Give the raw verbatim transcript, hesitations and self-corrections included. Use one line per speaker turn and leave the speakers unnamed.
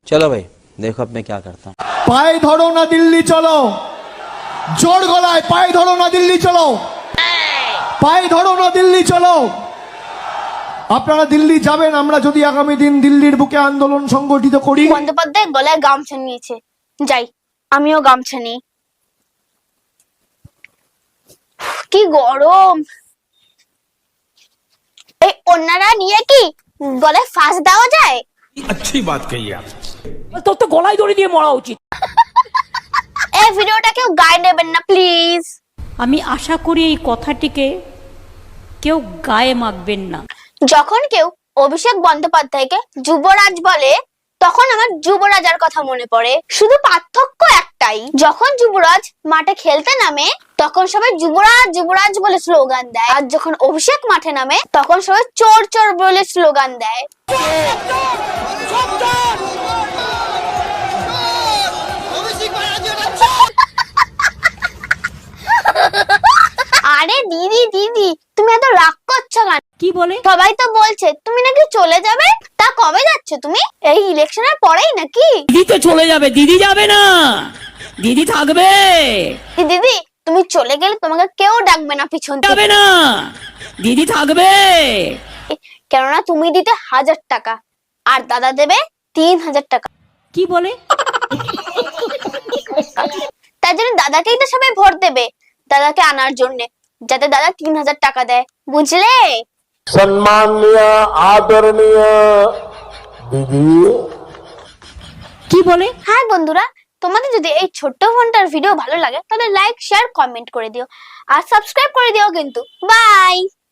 चलो भाई देखो अब मैं क्या करता हूँ।
পায়ে ধরো না দিল্লি চলো, জোর গলায় পায়ে ধরো না দিল্লি চলো, পায়ে ধরো না দিল্লি চলো। আপনারা দিল্লি যাবেন, আমরা যদি আগামী দিন দিল্লির বুকে আন্দোলন সংগঠিত করি।
বন্দ্যোপাধ্যায় গলায় গামছা নিয়েছে, যাই আমিও গামছা নিই। কি গরম, এই অন্যরা নিয়ে কি গলায় ফাঁস দেওয়া যায়?
अच्छी बात कही आप।
তোর তো গলায় দড়ি দিয়ে মরা উচিত।
এই ভিডিওটা কেউ গায়ে নেবেন না প্লিজ।
আমি আশা করি এই কথাটিকে কেউ গায়ে মাখবেন না।
যখন কেউ অভিষেক বন্দ্যোপাধ্যায়কে যুবরাজ বলে তখন আমার যুবরাজার কথা মনে পড়ে। শুধু পার্থক্য একটাই, যখন যুবরাজ মাঠে খেলতে নামে তখন সবাই যুবরাজ যুবরাজ বলে স্লোগান দেয়, আর যখন অভিষেক মাঠে নামে তখন সবাই চোর চোর বলে স্লোগান দেয়। আরে দিদি দিদি তুমি এত রাগ করছো কেন?
কি বলে?
সবাই তো বলছে তুমি নাকি চলে যাবে, তা কবে যাচ্ছ তুমি? এই ইলেকশনের পরেই নাকি?
দিদি তো চলে যাবে, দিদি যাবে না, দিদি থাকবে।
দিদি তুমি চলে গেলে তোমাকে কেউ ডাকবে না পিছন থেকে,
যাবে না, দিদি থাকবে।
কেননা তুমি দিতে হাজার টাকা আর দাদা দেবে তিন হাজার টাকা।
কি বলে?
তার জন্য দাদাকেই তো সবাই ভোট দেবে, দাদাকে আনার জন্য, যাতে দাদা তিন হাজার টাকা দেয়, বুঝলে?
সম্মানীয় আদরণীয় দিদি।
কি বলে?
হ্যাঁ বন্ধুরা, তোমাদের যদি এই ছোট্ট ফোনটার ভিডিও ভালো লাগে তাহলে লাইক শেয়ার কমেন্ট করে দিও আর সাবস্ক্রাইব করে দিও কিন্তু। বাই।